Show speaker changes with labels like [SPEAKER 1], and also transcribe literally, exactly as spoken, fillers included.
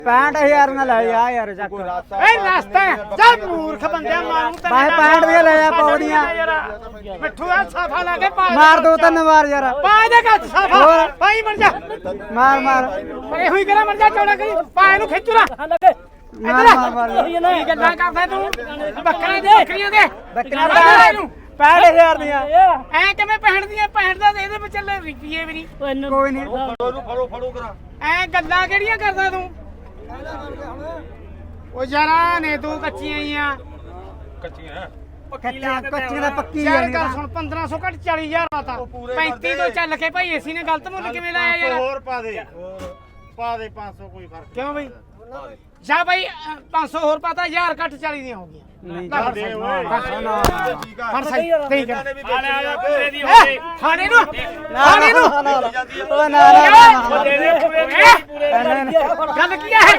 [SPEAKER 1] ਪੈਂਹਠ ਹਜ਼ਾਰ ਨਾਲ ਲੈ ਜਾ ਯਾਰ ਚੱਕ
[SPEAKER 2] ਏ ਰਸਤਾ ਚੱਲ ਮੂਰਖ ਬੰਦਿਆ ਮਾਰੂ ਤੇ
[SPEAKER 1] ਬਾਈ ਪੈਂਹਠ ਦੀਆਂ ਲੈ ਜਾ ਪੌੜੀਆਂ
[SPEAKER 2] ਮਿੱਠੂ ਆ ਸਾਫਾ ਲਾ ਕੇ ਪਾ
[SPEAKER 1] ਮਾਰ ਦੋ ਤਿੰਨ ਵਾਰ ਯਾਰ
[SPEAKER 2] ਪਾ ਦੇ ਗੱਜ ਸਾਫਾ ਪਾਈ ਮਰ ਜਾ
[SPEAKER 1] ਮਾਰ ਮਾਰ
[SPEAKER 2] ਏ ਹੋਈ ਕਰਾ ਮਰ ਜਾ ਚੌੜਾ ਕਰੀ ਪਾ ਇਹਨੂੰ ਖਿੱਚੂ ਨਾ
[SPEAKER 1] ਮਾਰ ਮਾਰ ਮਾਰ
[SPEAKER 2] ਕੀ ਗੱਲਾਂ ਕਰਦਾ ਤੂੰ ਬੱਕਰੀਆਂ ਦੇ ਬੱਕਰੀਆਂ ਦੇ
[SPEAKER 1] ਬੱਕਰੀਆਂ ਦਾ ਪੈਂਹਠ ਹਜ਼ਾਰ ਦੀਆਂ
[SPEAKER 2] ਐ ਕਿਵੇਂ ਪੈਂਹਠ ਦੀਆਂ ਪੈਂਹਠ ਦਾ ਇਹਦੇ ਵਿੱਚ ਚੱਲੇ ਰੁਪਈਏ ਵੀ ਨਹੀਂ
[SPEAKER 1] ਕੋਈ ਨਹੀਂ
[SPEAKER 3] ਫੜੋ ਫੜੋ ਕਰਾ
[SPEAKER 2] ਐ ਗੱਲਾਂ ਕਿਹੜੀਆਂ ਕਰਦਾ ਤੂੰ ਉਹ ਯਾਰਾ ਨੇ ਤੂੰ ਕੱਚੀਆਂ ਹੀ ਆ
[SPEAKER 3] ਕੱਚੀਆਂ
[SPEAKER 1] ਕੱਚੀਆਂ ਕੱਚੀਆਂ ਦਾ ਪੱਕੀ
[SPEAKER 2] ਯਾਰ
[SPEAKER 1] ਜਾਣੀ
[SPEAKER 2] ਗੱਲ ਸੁਣ ਪੰਦਰਾਂ ਸੌ ਘੱਟ ਚਾਲੀ ਹਜ਼ਾਰ ਆਤਾ ਪੈਂਤੀ ਤੋਂ ਚੱਲ ਕੇ ਭਾਈ ਏਸੀ ਨੇ ਗਲਤ ਮੁੱਲ ਕਿਵੇਂ ਲਾਇਆ ਯਾਰ
[SPEAKER 3] ਹੋਰ ਪਾ ਦੇ ਪਾ ਦੇ ਪੰਜ ਸੌ ਕੋਈ ਫਰਕ
[SPEAKER 2] ਕਿਉਂ ਬਈ ਜਾ ਭਾਈ ਪੰਜ ਸੌ ਹੋਰ ਪਾਤਾ ਹਜ਼ਾਰ ਘੱਟ ਚਾਲੀ ਦੀਆਂ ਹੋ ਗਈਆਂ
[SPEAKER 1] ਨਹੀਂ
[SPEAKER 3] ਚੱਲ ਦੇ ਓਏ
[SPEAKER 2] ਫੜ ਸਹੀ ਨਹੀਂ ਕਰ
[SPEAKER 3] ਆ ਲੈ ਆ ਲੈ ਪੂਰੇ ਦੀ ਹੋ ਗਈ
[SPEAKER 2] ਖਾਣੇ ਨੂੰ ਖਾਣੇ ਨੂੰ
[SPEAKER 1] ਉਹ ਨਾ ਨਾ
[SPEAKER 2] ਗੱਲ ਕੀ ਹੈ